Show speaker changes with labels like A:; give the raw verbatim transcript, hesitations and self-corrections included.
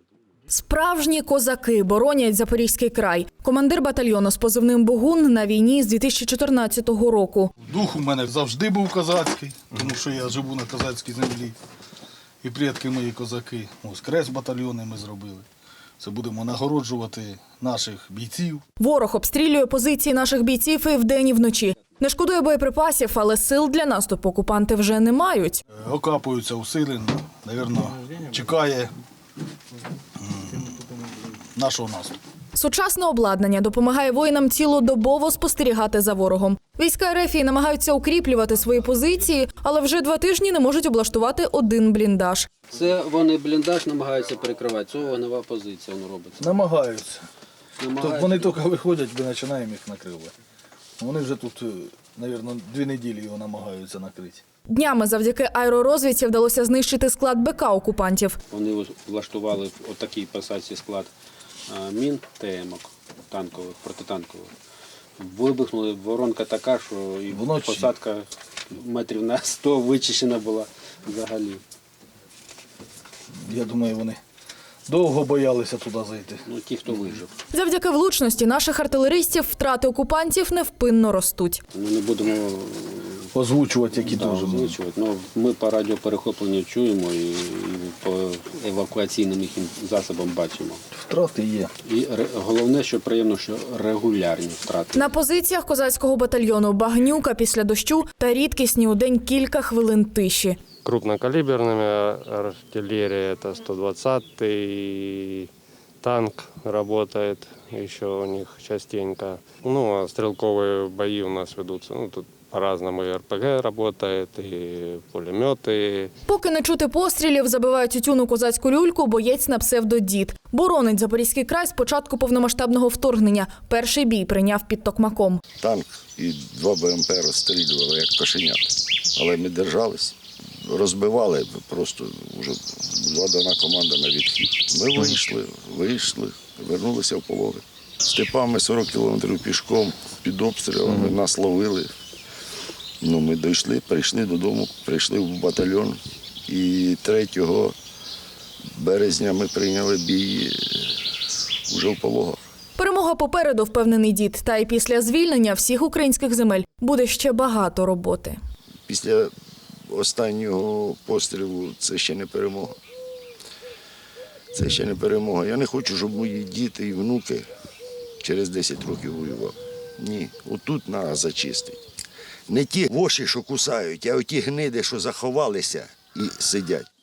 A: Справжні козаки боронять Запорізький край. Командир батальйону з позивним «Богун» на війні з дві тисячі чотирнадцятого року.
B: Дух у мене завжди був козацький, тому що я живу на козацькій землі. І предки мої козаки. Ось крест батальйони ми зробили. Це будемо нагороджувати наших бійців.
A: Ворог обстрілює позиції наших бійців і вдень, і вночі. Не шкодує боєприпасів, але сил для наступу окупанти вже не мають.
B: Окапуються усилено, напевно, чекає нашого наступу.
A: Сучасне обладнання допомагає воїнам цілодобово спостерігати за ворогом. Війська РФ намагаються укріплювати свої позиції, але вже два тижні не можуть облаштувати один бліндаж.
C: Це вони бліндаж намагаються перекривати, це вогнева позиція воно робиться.
B: Намагаються.
C: Намагаються.
B: Вони тільки виходять, ми починаємо їх накривати. Вони вже тут, мабуть, дві неділі його намагаються накрити.
A: Днями завдяки аеророзвідці вдалося знищити склад БК окупантів.
C: Вони влаштували в отакій посадці склад мін ТМ-ок танкових, протитанкових. Вибухнули, воронка така, що і
B: Вночі.
C: посадка метрів на сто вичищена була взагалі.
B: Я думаю, вони довго боялися туди зайти.
C: Ну, ті, хто вижив.
A: Завдяки влучності наших артилеристів втрати окупантів невпинно ростуть.
C: Ми не будемо
B: Озвучувати, які
C: да,
B: теж.
C: озвучувати. Ну, ми по радіоперехопленню чуємо і, і по евакуаційним їхнім засобам бачимо.
B: Втрати є.
C: І ре- головне, що приємно, що регулярні втрати.
A: На позиціях козацького батальйону багнюка після дощу та рідкісні у день кілька хвилин тиші.
D: Крупнокалиберными артиллерия это сто двадцатый, танк работает еще у них частенько. Ну, а стрелковые бои у нас ведутся. Ну, тут по-разному и РПГ работает, и пулеметы.
A: Поки не чути пострілів, забивають тютюну козацьку люльку боєць на псевдо-Дід. Боронить Запорізький край з початку повномасштабного вторгнення. Перший бій прийняв під Токмаком.
E: Танк і два БМП розстрілювали, як кошенят. Але ми держались, розбивали, просто вже була дана команда на відхід. Ми вийшли, вийшли, вернулися в полови. Степами сорок кілометрів пішком, під обстрілами, нас ловили. Ну, ми дійшли, прийшли додому, прийшли в батальйон. І третього березня ми прийняли бій вже в Пологах.
A: Перемога попереду, впевнений Дід. Та й після звільнення всіх українських земель буде ще багато роботи.
E: Після останнього пострілу це ще не перемога. Це ще не перемога. Я не хочу, щоб мої діти і внуки через десять років воювали. Ні, отут треба зачистити. Не ті воші, що кусають, а оті гниди, що заховалися і сидять.